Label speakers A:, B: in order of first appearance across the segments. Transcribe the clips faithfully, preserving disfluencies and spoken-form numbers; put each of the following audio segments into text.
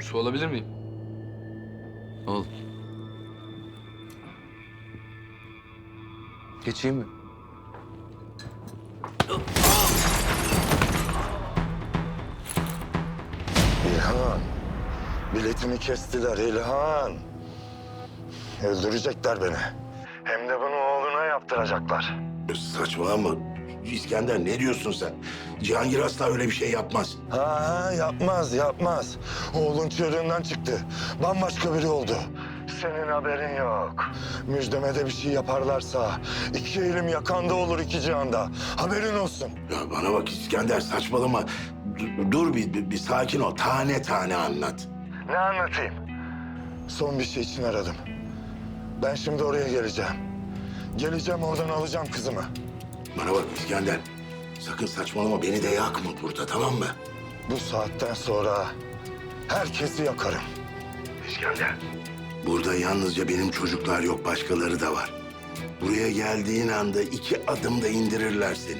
A: Su alabilir miyim? Al. Geçeyim mi?
B: İlhan, biletimi kestiler İlhan. Öldürecekler beni. Hem de bunu oğluna yaptıracaklar.
C: Saçmalama. İskender ne diyorsun sen? Cihangir asla öyle bir şey yapmaz.
B: Ha yapmaz, yapmaz. Oğlun çığırından çıktı. Bambaşka biri oldu. Senin haberin yok. Müjdeme de bir şey yaparlarsa iki elim yakanda olur iki cihanda. Haberin olsun.
C: Ya bana bak İskender saçmalama. Dur, dur bir, bir, bir sakin ol. Tane tane anlat.
B: Ne anlatayım? Son bir şey için aradım. Ben şimdi oraya geleceğim. Geleceğim oradan alacağım kızımı.
C: Bana bak İskender. Sakın saçmalama. Beni de yakma burada, tamam mı?
B: Bu saatten sonra herkesi yakarım.
C: İskender. Burada yalnızca benim çocuklar yok. Başkaları da var. Buraya geldiğin anda iki adımda indirirler seni.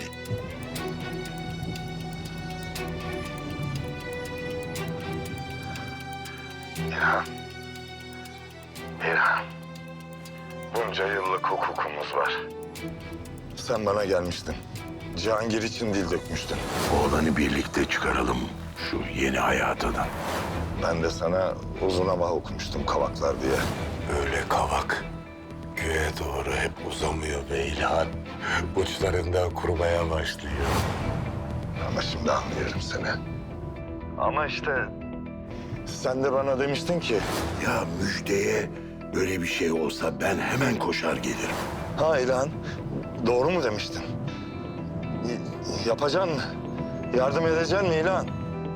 B: İlhan. İlhan. Bunca yıllık hukukumuz var. Sen bana gelmiştin. Cihangir için dil dökmüştün.
C: Oğlanı birlikte çıkaralım şu yeni hayatadan.
B: Ben de sana uzun hava okumuştum kavaklar diye.
C: Öyle kavak. Göğe doğru hep uzamıyor be İlhan. Uçlarından kurumaya başlıyor.
B: Ama şimdi anlıyorum seni. Ama işte sen de bana demiştin ki...
C: Ya müjdeye böyle bir şey olsa ben hemen koşar gelirim.
B: Ha İlhan, doğru mu demiştin? Y- yapacaksın mı? Yardım edeceksin mi İlhan?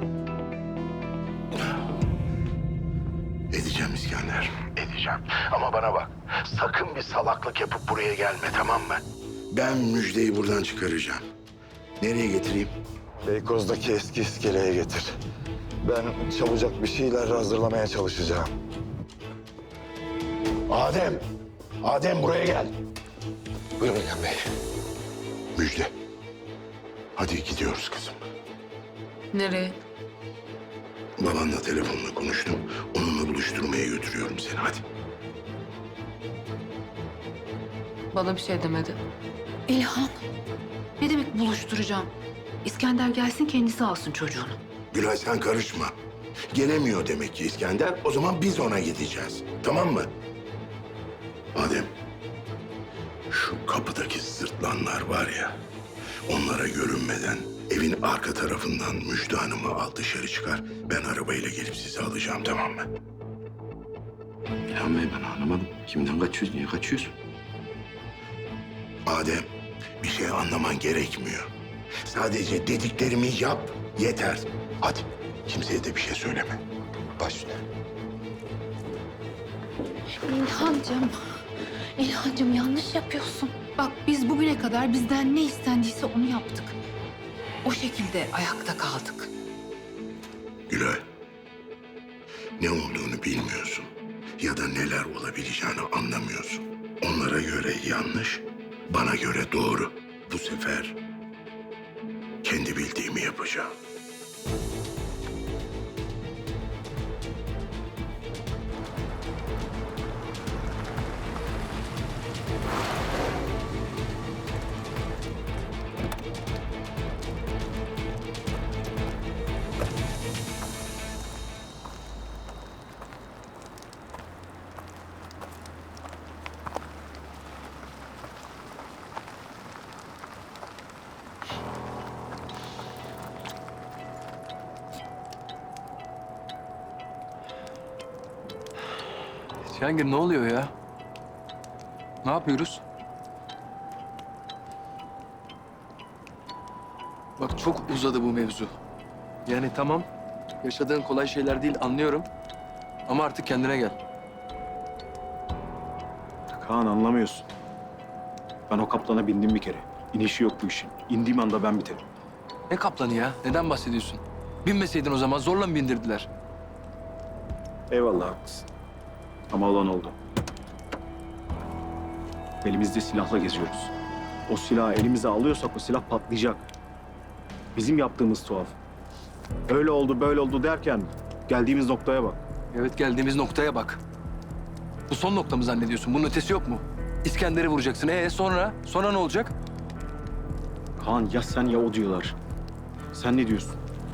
C: Edeceğim İskender, edeceğim. Ama bana bak, sakın bir salaklık yapıp buraya gelme, tamam mı? Ben müjdeyi buradan çıkaracağım. Nereye getireyim?
B: Beykoz'daki eski iskeleye getir. Ben çabucak bir şeyler hazırlamaya çalışacağım.
C: Adem, Adem buraya gel.
A: Buyurun İlhan Bey.
C: Müjde. Hadi gidiyoruz kızım.
D: Nereye?
C: Babanla telefonla konuştum. Onunla buluşturmaya götürüyorum seni, hadi.
D: Bana bir şey demedi. İlhan, ne demek buluşturacağım? İskender gelsin kendisi alsın çocuğunu.
C: Gülay sen karışma. Gelemiyor demek ki İskender. O zaman biz ona gideceğiz. Tamam mı? Adem, şu kapıdaki sırtlanlar var ya... onlara görünmeden evin arka tarafından Müjde Hanım'ı al dışarı çıkar. Ben arabayla gelip sizi alacağım, tamam mı?
E: İlhan Bey ben anlamadım. Kimden kaçıyoruz? Niye kaçıyorsun?
C: Adem, bir şey anlaman gerekmiyor. Sadece dediklerimi yap, yeter. Hadi, kimseye de bir şey söyleme. Baş üstüne.
D: İlhancığım, İlhancığım yanlış yapıyorsun. Bak biz bugüne kadar bizden ne istendiyse onu yaptık. O şekilde ayakta kaldık.
C: Gülay, ne olduğunu bilmiyorsun ya da neler olabileceğini anlamıyorsun. Onlara göre yanlış, bana göre doğru. Bu sefer kendi bildiğimi yapacağım.
A: Cihangir ne oluyor ya? Ne yapıyoruz? Bak çok uzadı bu mevzu. Yani tamam, yaşadığın kolay şeyler değil anlıyorum. Ama artık kendine gel.
F: Kaan anlamıyorsun. Ben o kaplana bindim bir kere. İnişi yok bu işin. İndiğim anda ben biterim.
A: Ne kaplanı ya? Neden bahsediyorsun? Binmeseydin o zaman zorla mı bindirdiler?
F: Eyvallah haklısın. Ama olan oldu. Elimizde silahla geziyoruz. O silahı elimize alıyorsak o silah patlayacak. Bizim yaptığımız tuhaf. Öyle oldu böyle oldu derken Geldiğimiz noktaya bak.
A: Evet, geldiğimiz noktaya bak. Bu son nokta mı zannediyorsun? Bunun ötesi yok mu? İskender'i vuracaksın. Ee sonra? Sonra ne olacak?
F: Kaan ya sen ya o diyorlar. Sen ne diyorsun?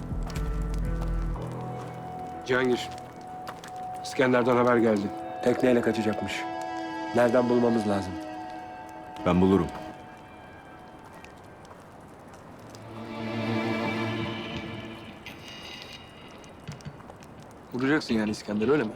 G: Cihangir, İskender'den haber geldi. Tekneyle kaçacakmış. Nereden bulmamız lazım?
F: Ben bulurum.
A: Vuracaksın yani İskender, öyle mi?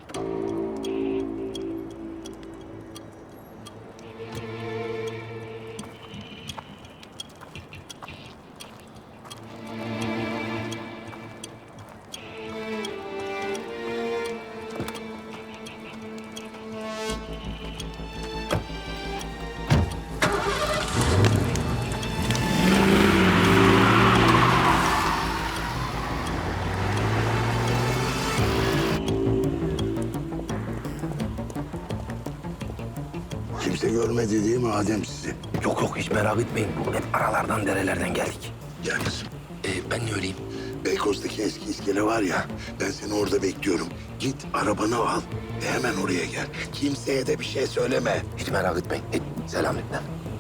C: Kimse görmedi değil mi Adem sizi?
E: Yok yok hiç merak etmeyin. Hep aralardan derelerden geldik.
C: Gel kızım.
E: Ee, ben ne öleyim?
C: Beykoz'daki eski iskele var ya, ben seni orada bekliyorum. Git arabanı al ve hemen oraya gel. Kimseye de bir şey söyleme.
E: Hiç merak etmeyin. Hiç selametle.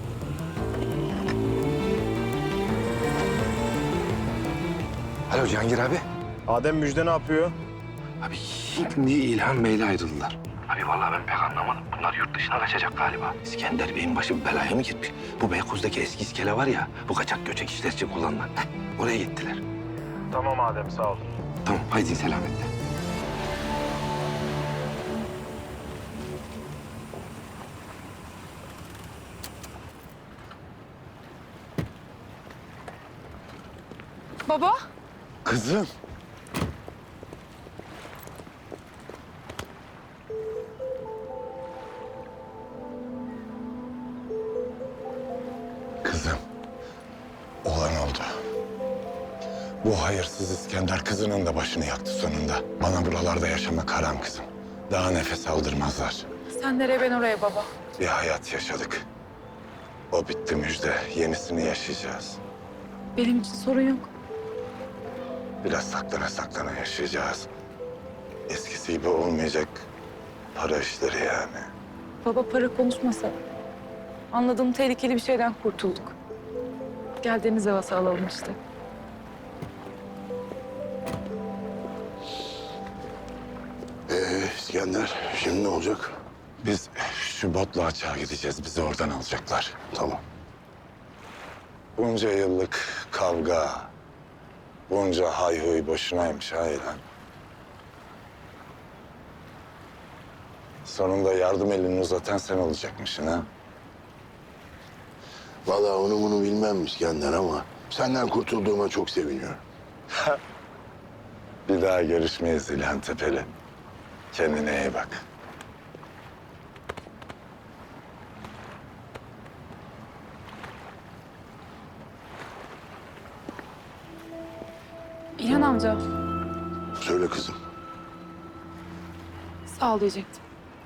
E: Alo Cihangir abi.
F: Adem Müjde ne yapıyor?
E: Abi şimdi İlhan Bey'le ayrıldılar. Abi vallahi ben pek anlamadım. Bunlar yurt dışına kaçacak galiba. İskender Bey'in başı belaya mı girmiş? Bu Beykoz'daki eski iskele var ya, bu kaçak göçek işler için kullanılan. Heh, oraya gittiler.
F: Tamam Adem sağ ol.
E: Tamam, haydi selametle.
D: Baba.
B: Kızım. Kızım. Olan oldu. Bu hayırsız İskender kızının da başını yaktı sonunda. Bana buralarda yaşamak haram kızım. Daha nefes aldırmazlar.
H: Sen nereye ben oraya baba.
B: Bir hayat yaşadık. O bitti Müjde. Yenisini yaşayacağız.
H: Benim için sorun yok.
B: Biraz saklana saklana yaşayacağız. Eskisi gibi olmayacak para işleri yani.
H: Baba para konuşmasa. Anladığım tehlikeli bir şeyden kurtulduk. Gel deniz havası alalım işte.
C: Ee, İskender, şimdi ne olacak?
B: Biz şu botla açığa gideceğiz. Bizi oradan alacaklar.
C: Tamam.
B: Bunca yıllık kavga, bunca hayhuy boşunaymış hayran. Sonunda yardım elini uzatan sen olacakmışsın ha.
C: Vallahi onu bunu bilmem İskender ama senden kurtulduğuma çok seviniyorum.
B: Bir daha görüşmeyiz İlhan Tepeli. Kendine iyi bak.
H: İlhan amca.
C: Söyle kızım.
H: Sağ ol diyecektim.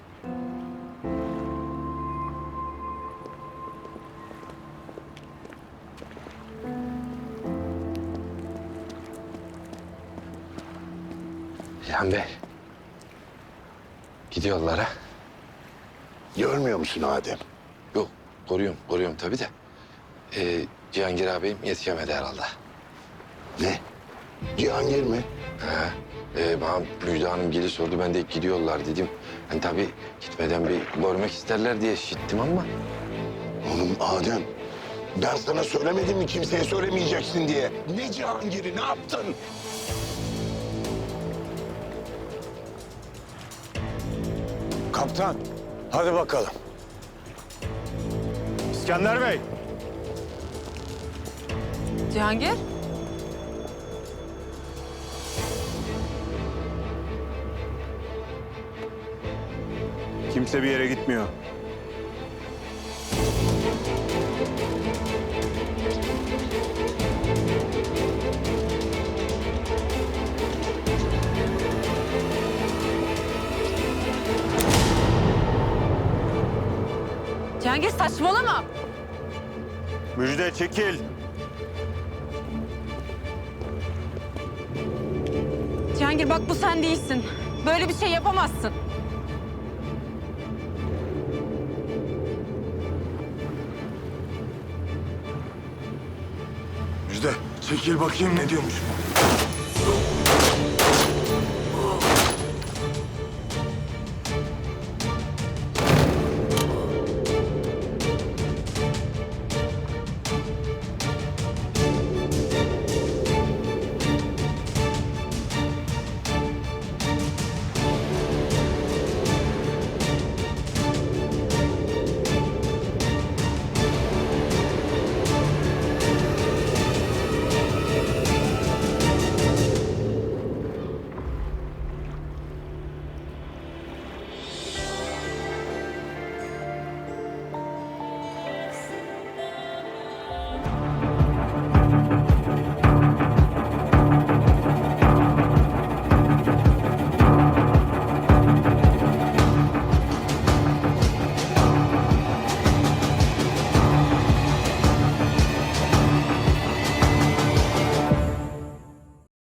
E: İlhan Bey. Gidiyorlar ha.
C: Görmüyor musun Adem?
E: Yok, koruyorum, koruyorum tabii de. Ee, Cihangir ağabeyim yetişemedi herhalde.
C: Ne? Cihangir mi?
E: Ha, e, bana Müjde Hanım geli sordu, ben de gidiyorlar dedim. Hani tabii gitmeden bir görmek isterler diye işittim ama.
C: Oğlum Adem, ben sana söylemedim mi kimseye söylemeyeceksin diye? Ne Cihangir'i, ne yaptın?
B: Kaptan, hadi bakalım.
F: İskender Bey.
H: Cihangir?
F: Kimse bir yere gitmiyor.
H: Cihangir saçmalama.
F: Müjde çekil.
H: Cihangir Cihangir bak bu sen değilsin. Böyle bir şey yapamazsın.
B: Müjde çekil bakayım ne diyormuş bu.